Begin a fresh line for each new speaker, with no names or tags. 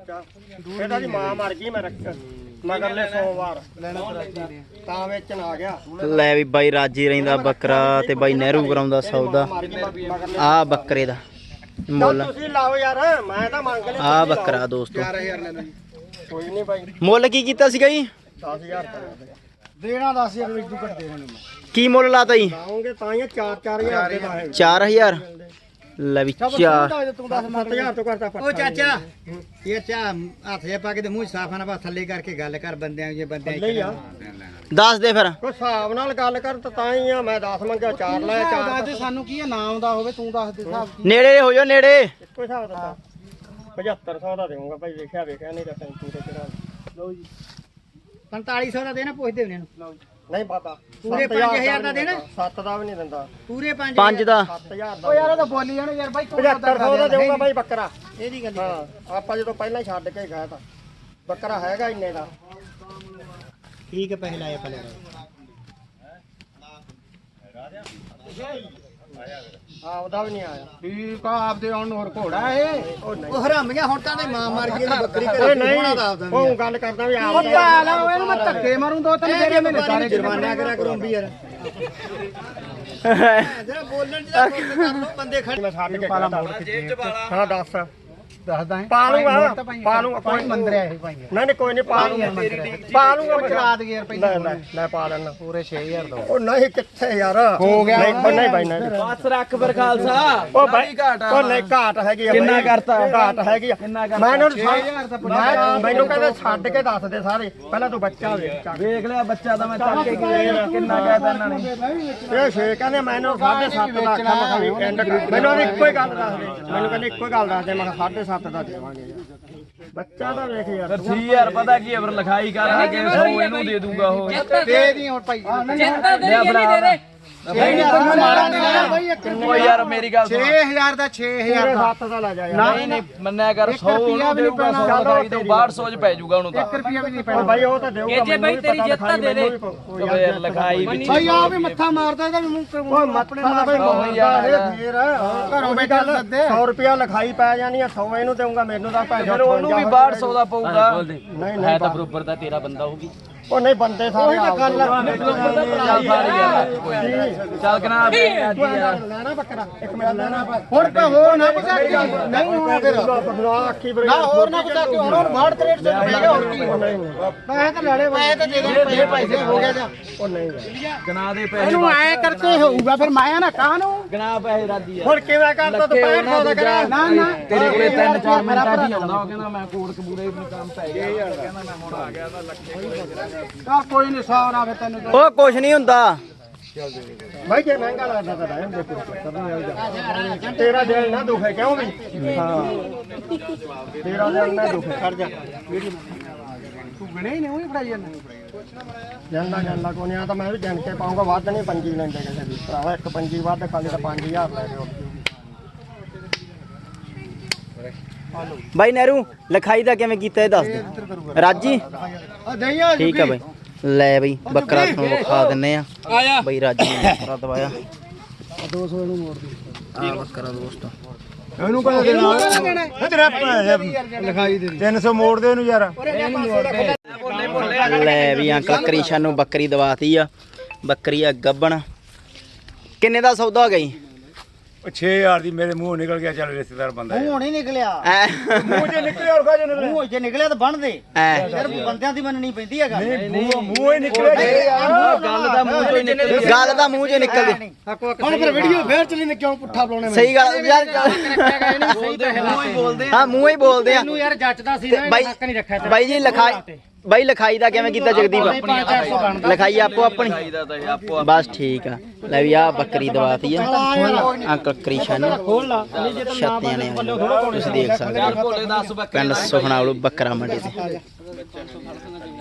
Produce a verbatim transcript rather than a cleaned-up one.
ਬੱਚਾ ਇਹਦਾ ਦੀ ਮਾਂ ਮਰ ਗਈ ਮੈਂ ਰੱਖ ਮਗਰਲੇ ਸੋਮਵਾਰ ਤਾਂ ਵੇਚਣ ਆ ਗਿਆ।
ਲੈ ਵੀ ਬਾਈ ਰਾਜੀ ਰਹਿੰਦਾ ਬੱਕਰਾ ਤੇ ਬਾਈ ਨਹਿਰੂ ਕਰਾਉਂਦਾ ਸੌਦਾ। ਆ ਬੱਕਰੇ ਦਾ ਮੁੱਲ
ਤੁਸੀਂ ਲਾਓ ਯਾਰ ਮੈਂ ਤਾਂ ਮੰਗ ਲਿਆ।
ਆ ਬੱਕਰਾ ਦੋਸਤੋ
ਚਾਰ ਹਜ਼ਾਰ ਲੈ ਲਓ ਜੀ। ਕੋਈ ਨਹੀਂ ਬਾਈ
ਮੁੱਲ ਕੀ ਕੀਤਾ ਸੀਗਾ ਜੀ?
ਦਸ ਹਜ਼ਾਰ ਦੇਣਾ। ਦਸ ਹਜ਼ਾਰ ਵਿੱਚ ਤੂੰ ਘੱਟ ਦੇ ਦੇਣਾ
ਕੀ ਮੁੱਲ ਲਾਤਾ ਜੀ?
ਲਾਉਂਗੇ ਤਾਂ ਹੀ ਚਾਰ ਚਾਰ ਹਜ਼ਾਰ ਦੇ ਲਾਏ।
ਚਾਰ ਹਜ਼ਾਰ ਲੈ ਵੀ ਚਾਰ
ਤੂੰ ਦਸ ਸੱਤ ਹਜ਼ਾਰ ਤੋਂ ਕਰਦਾ
ਉਹ ਚਾਚਾ ਇਹ ਚਾ ਹੱਥ ਜੇ ਪਾ ਕੇ ਤੇ ਮੂੰਹ ਸਾਫਾ ਨਾ ਬਸ ਥੱਲੇ ਕਰਕੇ ਗੱਲ ਕਰ ਬੰਦਿਆਂ ਜੇ ਬੰਦਿਆਂ
ਨਹੀਂ ਆ
ਦੱਸ ਦੇ ਫਿਰ
ਕੋਈ ਹਿਸਾਬ ਨਾਲ ਗੱਲ ਕਰ ਤਾਂ ਹੀ ਆ। ਮੈਂ ਦਸ ਮੰਗਿਆ ਚਾਰ ਲਾਇਆ ਚਾਰ
ਦੱਸ ਸਾਨੂੰ ਕੀ ਨਾ ਆਉਂਦਾ ਹੋਵੇ ਤੂੰ ਦੱਸ ਦੇ ਹਿਸਾਬ
ਨੇੜੇ ਹੋ ਜਾਓ ਨੇੜੇ।
ਇੱਕੋ ਹਿਸਾਬ ਦੱਸਾਂ ਪਝੱਤਰ ਸੌ ਦਾ ਦੇਵਾਂਗਾ ਭਾਈ। ਵੇਖਿਆ ਵੇਖਿਆ ਨਹੀਂ ਤਾਂ ਤੂੰ ਤੇ ਚੜਾ ਲਓ ਜੀ।
ਪੰਤਾਲੀ ਸੌ ਦਾ ਦੇਣਾ ਪੁੱਛਦੇ ਉਹਨੇ ਨੂੰ
ਨਹੀਂ ਪਤਾ
ਪੂਰੇ ਪੰਜ ਹਜ਼ਾਰ ਦਾ ਦੇਣਾ।
ਸੱਤ ਦਾ ਵੀ ਨਹੀਂ ਦਿੰਦਾ।
ਪੂਰੇ ਪੰਜ
ਪੰਜ ਦਾ
ਸੱਤ ਹਜ਼ਾਰ ਦਾ।
ਉਹ ਯਾਰ ਉਹ ਤਾਂ ਬੋਲੀ ਜਾਣ ਯਾਰ ਬਾਈ
ਪਝੱਤਰ ਸੌ ਦਾ ਦੇਵਾਂਗਾ ਭਾਈ ਬੱਕਰਾ।
ਇਹਦੀ ਗੱਲ
ਹਾਂ ਆਪਾਂ ਜਦੋਂ ਪਹਿਲਾਂ ਹੀ ਛੱਡ ਕੇ ਗਏ ਤਾਂ ਬੱਕਰਾ ਹੈਗਾ ਇੰਨੇ ਦਾ।
ਠੀਕ ਹੈ ਪੈਸੇ ਲਾਏ ਪਹਿਲੇ
ਹਾਂ ਉਹਦਾ ਵੀ ਨਹੀਂ ਆਇਆ।
ਠੀਕ ਆ ਆਪਦੇ ਆਉਣ ਨੂੰ ਹੋਰ ਘੋੜਾ ਇਹ ਉਹ ਹਰਾਮੀਆਂ ਹੁਣ ਤਾਂ ਤੇ ਮਾਂ ਮਰ ਗਈ ਇਹਦੀ ਬੱਕਰੀ
ਓਏ
ਘਰੇ
ਨਹੀਂ
ਹੋਣਾ ਦਾ ਆਪਦਾ
ਉਹ ਗੱਲ ਕਰਦਾ ਵੀ ਆਪ
ਉਹ ਪਾਲ ਇਹਨੂੰ ਮੈਂ ਧੱਕੇ ਮਾਰੂੰ ਦੋ ਤਿੰਨ ਜਿਹੜੇ ਮੇਰੇ ਸਾਰੇ ਜੁਰਮਾਨਾ ਕਰਿਆ ਕਰੂੰ ਵੀ ਯਾਰ ਜਰਾ ਬੋਲਣ ਜਿਹੜਾ ਫੁੱਲ ਕਰ ਲੋ ਬੰਦੇ ਖੜੇ
ਮੈਂ ਛੱਡ ਕੇ ਪਾਲਾ ਮੋੜ ਕੇ ਹਾਂ ਦੱਸ
ਦੱਸਦਾ ਹੈ
ਪਾਲੂਗਾ ਪਾਲੂਗਾ
ਕੋਈ ਮੰਦਰ ਆ ਇਹ ਭਾਈ
ਨਹੀਂ ਨਹੀਂ ਕੋਈ ਨਹੀਂ ਪਾਲੂਗਾ ਪਾਲੂਗਾ
ਚਲਾ ਦੇ ਯਾਰ
ਲੈ ਲੈ ਲੈ ਪਾ ਲੈਣਾ
ਪੂਰੇ ਛੇ ਹਜ਼ਾਰ ਦੋ
ਉਹ ਨਹੀਂ ਕਿੱਥੇ ਯਾਰ
ਹੋ ਗਿਆ
ਨਹੀਂ ਨਹੀਂ ਬਾਈ ਨਹੀਂ
ਬਸ ਰੱਖ ਫਿਰ ਖਾਲਸਾ।
ਉਹ ਬਾਈ ਉਹ ਨਹੀਂ ਘਾਟ ਹੈਗੀ ਆ ਕਿੰਨਾ ਕਰਤਾ ਘਾਟ ਹੈਗੀ ਆ ਮੈਂ ਇਹਨਾਂ ਨੂੰ ਮੈਂ ਮੈਨੂੰ ਕਹਿੰਦੇ ਛੱਡ ਕੇ ਦੱਸ ਦੇ ਸਾਰੇ ਪਹਿਲਾਂ ਤੂੰ ਬੱਚਾ ਵੇਖ
ਵੇਖ ਲਿਆ ਬੱਚਾ ਤਾਂ ਮੈਂ ਚੱਕ ਕੇ ਗਿਆ ਕਿੰਨਾ ਕਹਿਤਾ ਇਹਨਾਂ ਨੇ।
ਇਹ ਛੇ ਕਹਿੰਦੇ ਮੈਨੂੰ ਸਾਢੇ ਸੱਤ ਦਾ ਆਖਿਆ ਮੈਂ ਕਿਹਾ ਵੀ ਐਂਡ ਮੈਨੂੰ ਇੱਕੋ ਹੀ ਗੱਲ ਦੱਸ ਦੇ ਮੈਨੂੰ ਕਹਿੰਦੇ ਇੱਕੋ ਹੀ ਗੱਲ ਦੱਸ ਦੇ ਮੈਂ ਕਿਹਾ ਸਾਢੇ ਸੱਤ ਦਾ ਦੇਵਾਂਗੇ ਬੱਚਾ ਤਾਂ ਵੇਖ ਯਾਰ
ਛੇ ਹਜ਼ਾਰ ਪਤਾ ਕੀ ਹੈ ਫਿਰ ਲਿਖਾਈ ਕਰ ਕੇ ਸੌ ਇਹਨੂੰ ਦੇ ਦੂੰਗਾ ਉਹ
ਦੇ ਦੀ ਹੁਣ ਭਾਈ
ਚਿੰਤਾ ਦੇ ਨਹੀਂ ਦੇ ਦੇ
ਓ ਯਾਰ ਮੇਰੀ ਗੱਲ ਸੁਣ
ਛੇ ਹਜ਼ਾਰ ਦਾ ਛੇ ਹਜ਼ਾਰ ਦਾ
ਸੱਤ ਦਾ ਲੈ ਜਾ ਯਾਰ
ਨਹੀਂ ਨਹੀਂ ਮੰਨਿਆ ਕਰ ਸੌ ਉਹਨੂੰ ਦੇਊਗਾ ਸੌ ਲਿਖਾਈ ਤੋਂ ਬਾਹਠ ਸੌ ਚ ਪੈ ਜਾਊਗਾ ਉਹਨੂੰ ਤਾਂ
ਇੱਕ ਰੁਪਿਆ ਵੀ ਨਹੀਂ
ਉਹ
ਪੈਣਾ
ਬਾਈ ਉਹ ਤਾਂ ਦੇਊਗਾ
ਇਹ ਜੇ ਬਾਈ ਤੇਰੀ ਜਿੱਤ ਦੇ ਦੇ
ਓ ਯਾਰ ਲਿਖਾਈ ਵਿੱਚ
ਭਾਈ ਆ ਵੀ ਮੱਥਾ ਮਾਰਦਾ ਇਹਦਾ ਵੀ ਮੂੰਹ
ਉਹ ਮੱਥਾ ਦਾ ਬਈ ਮਾਰਦਾ ਇਹ ਫੇਰ ਘਰੋਂ ਵੀ ਗੱਲ ਸੌ ਰੁਪਿਆ ਲਿਖਾਈ ਪੈ ਜਾਣੀ ਆ ਸੌ ਇਹਨੂੰ ਦੇਊਗਾ ਮੈਨੂੰ ਤਾਂ ਭੈਣ
ਫਿਰ ਉਹਨੂੰ ਵੀ ਬਾਹਠ ਸੌ ਦਾ ਪਊਗਾ
ਨਹੀਂ
ਹੈ ਤਾਂ ਬਰੋਬਰ ਦਾ ਤੇਰਾ ਬੰਦਾ ਹੋਊਗੀ
ਉਹ ਨਹੀਂ ਬੰਦੇ ਸਾਰੇ ਆ ਗੱਲ
ਚੱਲ ਕਨਾ
ਲੈਣਾ ਬੱਕਰਾ ਇੱਕ ਮਿੰਟ ਲੈਣਾ
ਹੁਣ ਤਾਂ ਹੋਰ ਨਾ ਪਤਾ ਕੀ ਨਹੀਂ ਹੋਣਾ ਫਿਰ
ਆਖੀ ਬਰੇ
ਨਾ ਹੋਰ ਨਾ ਪਤਾ ਕਿ ਹੁਣ ਬਾਹਠ ਤਰੇਠ ਸੌ ਰੁਪਏ ਗਿਆ ਹੋਰ ਕੀ ਪੈਸੇ ਤਾਂ ਲੈਣੇ ਪੈਸੇ ਤਾਂ ਦੇ ਦੇ ਪੈਸੇ ਪੈਸੇ ਹੋ ਗਿਆ ਜਾ
ਉਹ ਨਹੀਂ
ਗਨਾ ਦੇ ਪੈਸੇ
ਇਹਨੂੰ ਐ ਕਰਕੇ ਹੋਊਗਾ ਫਿਰ ਮੈਂ ਨਾ ਕਾਹ ਨੂੰ
ਗਨਾ ਪੈਸੇ ਰਾਦੀ ਆ
ਹੁਣ ਕਿਵੇਂ ਕਰਦਾ ਤੂੰ ਪੈਂਹਠ ਸੌ ਦਾ ਕਰਿਆ
ਨਾ ਨਾ
ਤੇਰੇ ਕੋਲੇ ਤਿੰਨ ਚਾਰ ਮਿੰਟਾਂ ਦੀ ਆਉਂਦਾ ਉਹ ਕਹਿੰਦਾ ਮੈਂ ਕੋਟ ਕਬੂਰੇ ਨੂੰ ਕੰਮ ਪੈ ਗਿਆ ਕਹਿੰਦਾ ਮੈਂ ਹੁਣ ਆ ਗਿਆ ਤਾਂ ਲੱਖੇ
ਆ ਕੋਈ ਨਹੀਂ ਸੌ ਨਾ ਫਿਰ ਤੈਨੂੰ
ਉਹ ਕੁਛ ਨਹੀਂ ਹੁੰਦਾ
ਭਾਈ ਜੇ ਮਹਿੰਗਾ ਲੱਗਦਾ ਤਾਂ ਰਹਿਣ ਦੇ ਕੋਈ ਤੇਰਾ ਦਿਲ ਨਾ ਦੁਖੇ ਕਿਉਂ ਵੀ ਹਾਂ ਤੇਰਾ ਦਿਲ ਨਾ ਦੁਖੇ ਕਰ ਜਾ
ਤੂੰ ਗਣੇ ਹੀ ਨਹੀਂ ਉਹੀ ਫੜਾਈ ਜਾਂਦਾ
ਜਾਂਦਾ ਜਾਂਦਾ ਕੋਈ ਨਹੀਂ ਆ ਤਾਂ ਮੈਂ ਵੀ ਗਿਣ ਕੇ ਪਾਉਂਗਾ ਵੱਧ ਨਹੀਂ ਪੰਜੀ ਲੈਂਦੇ ਕਿਸੇ ਦੀ ਭਰਾਵਾ ਇੱਕ ਪੰਜੀ ਵੱਧ ਖਾਲੀ ਤਾਂ ਪੰਜ ਹਜ਼ਾਰ ਲੈ ਦਿਓ
ਬਾਈ ਨਹਿਰੂ ਲਿਖਾਈ ਦਾ ਕਿਵੇਂ ਕੀਤਾ ਇਹ ਦੱਸ ਦੇ ਰਾਜੀ ਠੀਕ ਆ ਬਾਈ ਲੈ ਬਈ ਬੱਕਰਾ ਤੁਹਾਨੂੰ ਵਿਖਾ ਦਿੰਨੇ ਆ
ਆਇਆ
ਬਈ ਰਾਜੀ ਨੇ ਬੱਕਰਾ ਦਵਾਇਆ
ਦੋ ਸੌ ਇਹਨੂੰ ਮੋੜ ਦੇ
ਆ ਬੱਕਰਾ ਦੋਸਤੋ
ਇਹਨੂੰ ਕਹਿੰਦੇ ਦੇਣਾ
ਲਿਖਾਈ ਦੇ
ਤਿੰਨ ਸੌ ਮੋੜ ਦੇ ਇਹਨੂੰ ਯਾਰ
ਲੈ ਵੀ ਅੰਕਲ ਕ੍ਰਿਸ਼ਨ ਨੂੰ ਬੱਕਰੀ ਦਵਾਤੀ ਆ ਬੱਕਰੀ ਆ ਗੱਬਣ ਕਿੰਨੇ ਦਾ ਸੌਦਾ ਹੋ ਗਿਆ ਜੀ
ਛੇ ਹਜ਼ਾਰ ਦੀ ਮੇਰੇ ਮੂੰਹ ਨਿਕਲ ਗਿਆ ਚੱਲ ਰਿਸ਼ਤੇਦਾਰ ਬੰਦਾ
ਮੂੰਹ ਨਹੀਂ ਨਿਕਲਿਆ
ਐ
ਮੂੰਹ ਜੇ ਨਿਕਲਿਆ ਹੋਰ ਕਾਜੇ ਮੂੰਹ ਜੇ ਨਿਕਲਿਆ ਤਾਂ ਬਣ ਦੇ
ਐ
ਯਾਰ ਬੰਦਿਆਂ ਦੀ ਮੰਨਣੀ ਪੈਂਦੀ ਹੈਗਾ
ਮੂੰਹ ਮੂੰਹ ਹੀ ਨਿਕਲਿਆ
ਗੱਲ ਦਾ ਮੂੰਹ ਚੋਂ ਨਿਕਲ ਗੱਲ ਦਾ ਮੂੰਹ ਚੋਂ ਨਿਕਲ ਗਈ
ਹੁਣ ਫਿਰ ਵੀਡੀਓ ਫੇਰ ਚਲੀ ਨੇ ਕਿਉਂ ਪੁੱਠਾ ਬੁਲਾਉਣੇ
ਸਹੀ ਗੱਲ ਯਾਰ
ਸਹੀ ਤਾਂ ਮੂੰਹ ਹੀ ਬੋਲਦੇ
ਹਾਂ ਮੂੰਹ ਹੀ ਬੋਲਦੇ ਆ
ਤੈਨੂੰ ਯਾਰ ਜੱਚਦਾ ਸੀ ਨਾ
ਬਾਈ
ਹੱਕ ਨਹੀਂ ਰੱਖਿਆ ਤੇਰਾ
ਬਾਈ ਜੀ ਲਿਖਾਈ ਬਾਈ ਲਿਖਾਈ ਦਾ ਕਿਵੇਂ ਕੀਤਾ ਜਗਦੀਪ ਲਿਖਾਈ ਆਪੋ ਆਪਣੀ ਬਸ ਠੀਕ ਆ ਲੈ ਵੀ ਆ ਬੱਕਰੀ ਦਵਾਤੀ ਆ ਅੰਕਲ ਕ੍ਰਿਸ਼ਨ ਛੱਤਿਆਂ ਨੇ ਤੁਸੀਂ ਦੇਖ ਸਕਦੇ ਹੋ ਪਿੰਡ ਸੁਖਣਾ ਬੱਕਰਾ ਮੰਡੀ ਤੇ